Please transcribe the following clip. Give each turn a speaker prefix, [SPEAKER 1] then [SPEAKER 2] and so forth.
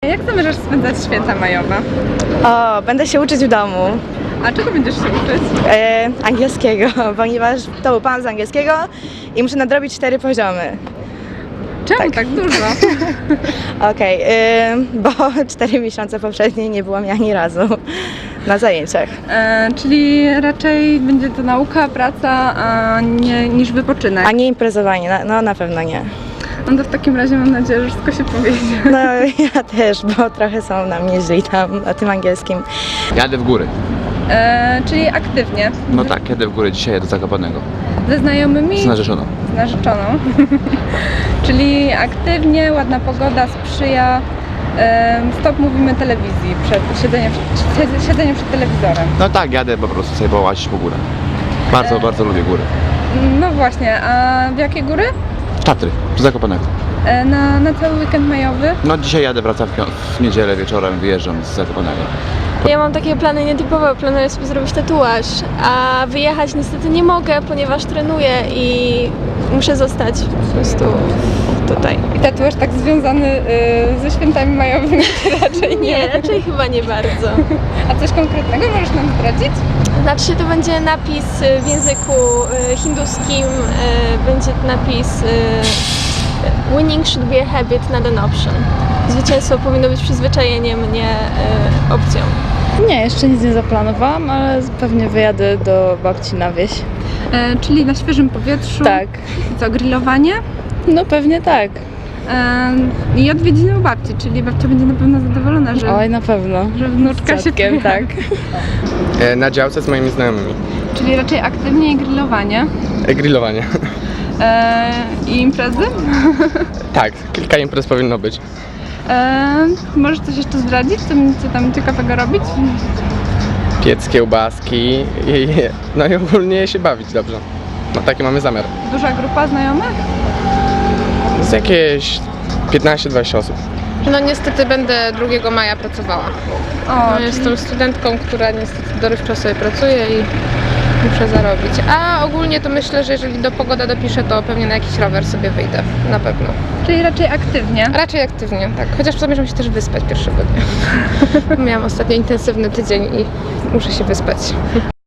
[SPEAKER 1] Jak zamierzasz spędzać święta majowe?
[SPEAKER 2] O, będę się uczyć w domu.
[SPEAKER 1] A czego będziesz się uczyć?
[SPEAKER 2] Angielskiego, ponieważ to był pan z angielskiego i muszę nadrobić 4 poziomy.
[SPEAKER 1] Czemu tak dużo?
[SPEAKER 2] Okej, bo 4 miesiące poprzednie nie było mnie ani razu na zajęciach.
[SPEAKER 1] Czyli raczej będzie to nauka, praca, a nie niż wypoczynek.
[SPEAKER 2] A nie imprezowanie, no na pewno nie.
[SPEAKER 1] No to w takim razie mam nadzieję, że wszystko się powiedzie.
[SPEAKER 2] No ja też, bo trochę są na mnie źli tam na tym angielskim.
[SPEAKER 3] Jadę w góry.
[SPEAKER 1] Czyli aktywnie.
[SPEAKER 3] No tak, jadę w góry, dzisiaj jadę do Zakopanego.
[SPEAKER 1] Ze znajomymi?
[SPEAKER 3] Z narzeczoną.
[SPEAKER 1] Z narzeczoną. Czyli aktywnie, ładna pogoda sprzyja. Stop mówimy telewizji, przed siedzeniem przed telewizorem.
[SPEAKER 3] No tak, jadę po prostu sobie połazić po górę. Bardzo lubię góry.
[SPEAKER 1] No właśnie, a w jakie góry?
[SPEAKER 3] Tatry, do Zakopanego.
[SPEAKER 1] Na cały weekend majowy?
[SPEAKER 3] No dzisiaj jadę, wracam w niedzielę wieczorem, wyjeżdżam z Zakopanego.
[SPEAKER 4] Ja mam takie plany nietypowe, planuję sobie zrobić tatuaż, a wyjechać niestety nie mogę, ponieważ trenuję i muszę zostać po prostu tutaj.
[SPEAKER 1] I tatuaż tak związany ze świętami majowymi raczej nie.
[SPEAKER 4] Nie, raczej chyba nie bardzo.
[SPEAKER 1] A coś konkretnego możesz nam zdradzić?
[SPEAKER 4] Znaczy się to będzie napis w języku hinduskim, będzie napis Winning should be a habit, not an option. Zwycięstwo powinno być przyzwyczajeniem, nie opcją.
[SPEAKER 5] Nie, jeszcze nic nie zaplanowałam, ale pewnie wyjadę do babci na wieś.
[SPEAKER 1] Czyli na świeżym powietrzu.
[SPEAKER 5] Tak.
[SPEAKER 1] I co, grillowanie?
[SPEAKER 5] No pewnie tak.
[SPEAKER 1] I odwiedziny u babci, czyli babcia będzie na pewno zadowolona,
[SPEAKER 5] Oj, na pewno.
[SPEAKER 1] że wnuczka się
[SPEAKER 5] Dziadkiem, tak.
[SPEAKER 6] Na działce z moimi znajomymi.
[SPEAKER 1] Czyli raczej aktywnie i grillowanie.
[SPEAKER 6] Grillowanie.
[SPEAKER 1] I imprezy?
[SPEAKER 6] Tak, kilka imprez powinno być.
[SPEAKER 1] Możesz coś jeszcze zdradzić, co tam ciekawego robić?
[SPEAKER 6] Piec, kiełbaski no i ogólnie się bawić dobrze. No taki mamy zamiar.
[SPEAKER 1] Duża grupa znajomych?
[SPEAKER 6] Z jakieś 15-20 osób.
[SPEAKER 7] No niestety będę 2 maja pracowała.
[SPEAKER 1] O,
[SPEAKER 7] Jestem studentką, która niestety dorywczo sobie pracuje i muszę zarobić. A ogólnie to myślę, że jeżeli pogoda dopisze, to pewnie na jakiś rower sobie wyjdę. Na pewno.
[SPEAKER 1] czyli raczej aktywnie.
[SPEAKER 7] Raczej aktywnie, tak. Chociaż zamierzam się też wyspać pierwszego dnia. Miałam ostatnio intensywny tydzień i muszę się wyspać.